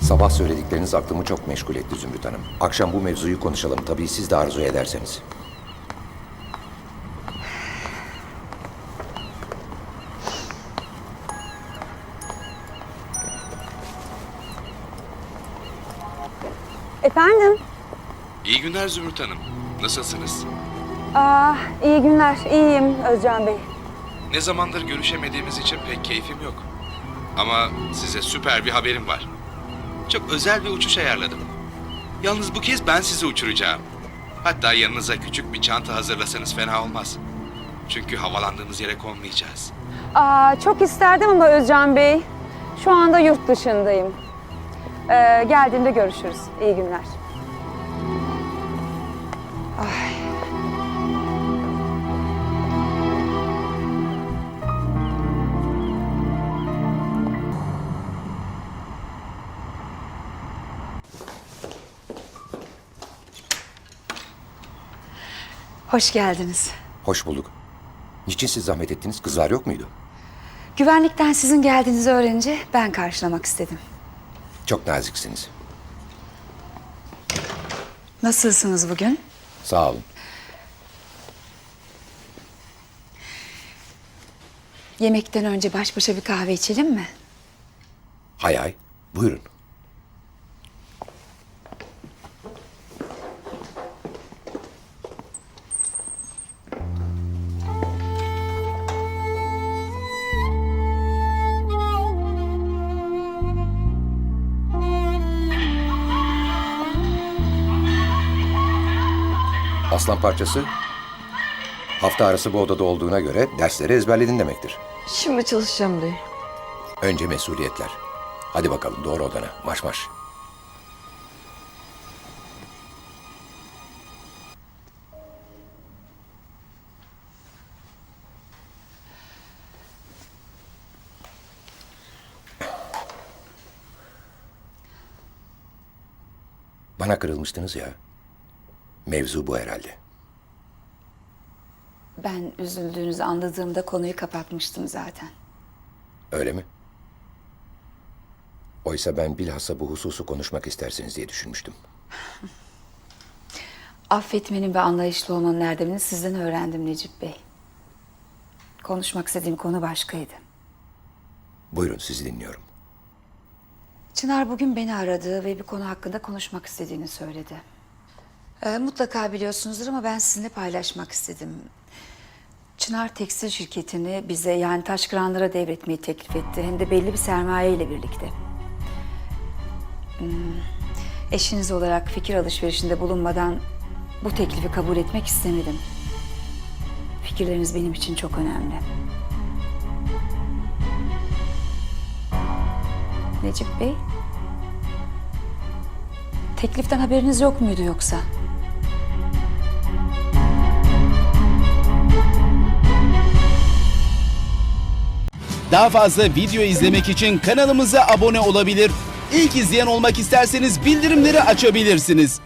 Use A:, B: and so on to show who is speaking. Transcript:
A: Sabah söyledikleriniz aklımı çok meşgul etti Zümrüt Hanım. Akşam bu mevzuyu konuşalım. Tabii siz de arzu ederseniz.
B: Efendim?
C: İyi günler Zümrüt Hanım. Nasılsınız?
B: İyi günler. İyiyim Özcan Bey.
C: Ne zamandır görüşemediğimiz için pek keyfim yok. Ama size süper bir haberim var. Çok özel bir uçuş ayarladım. Yalnız bu kez ben sizi uçuracağım. Hatta yanınıza küçük bir çanta hazırlasanız fena olmaz. Çünkü havalandığımız yere konmayacağız.
B: Çok isterdim ama Özcan Bey. Şu anda yurt dışındayım. Geldiğimde görüşürüz. İyi günler.
D: Hoş geldiniz.
A: Hoş bulduk. Niçin siz zahmet ettiniz? Kızlar yok muydu?
D: Güvenlikten sizin geldiğinizi öğrenince ben karşılamak istedim.
A: Çok naziksiniz.
D: Nasılsınız bugün?
A: Sağ olun.
D: Yemekten önce baş başa bir kahve içelim mi?
A: Hay hay. Buyurun. Aslan parçası, hafta arası bu odada olduğuna göre dersleri ezberledin demektir.
E: Şimdi çalışacağım dayı.
A: Önce mesuliyetler. Hadi bakalım doğru odana. Marş marş. Bana kırılmıştınız ya. Mevzu bu herhalde.
D: Ben üzüldüğünüzü anladığımda konuyu kapatmıştım zaten.
A: Öyle mi? Oysa ben bilhassa bu hususu konuşmak istersiniz diye düşünmüştüm.
D: Affetmenin ve anlayışlı olmanın erdemini sizden öğrendim Necip Bey. Konuşmak istediğim konu başkaydı.
A: Buyurun sizi dinliyorum.
D: Çınar bugün beni aradı ve bir konu hakkında konuşmak istediğini söyledi. Mutlaka biliyorsunuzdur ama ben sizinle paylaşmak istedim. Çınar tekstil şirketini bize yani Taşkıranlara devretmeyi teklif etti. Hem de belli bir sermaye ile birlikte. Eşiniz olarak fikir alışverişinde bulunmadan bu teklifi kabul etmek istemedim. Fikirleriniz benim için çok önemli. Necip Bey, tekliften haberiniz yok muydu yoksa?
F: Daha fazla video izlemek için kanalımıza abone olabilir. İlk izleyen olmak isterseniz bildirimleri açabilirsiniz.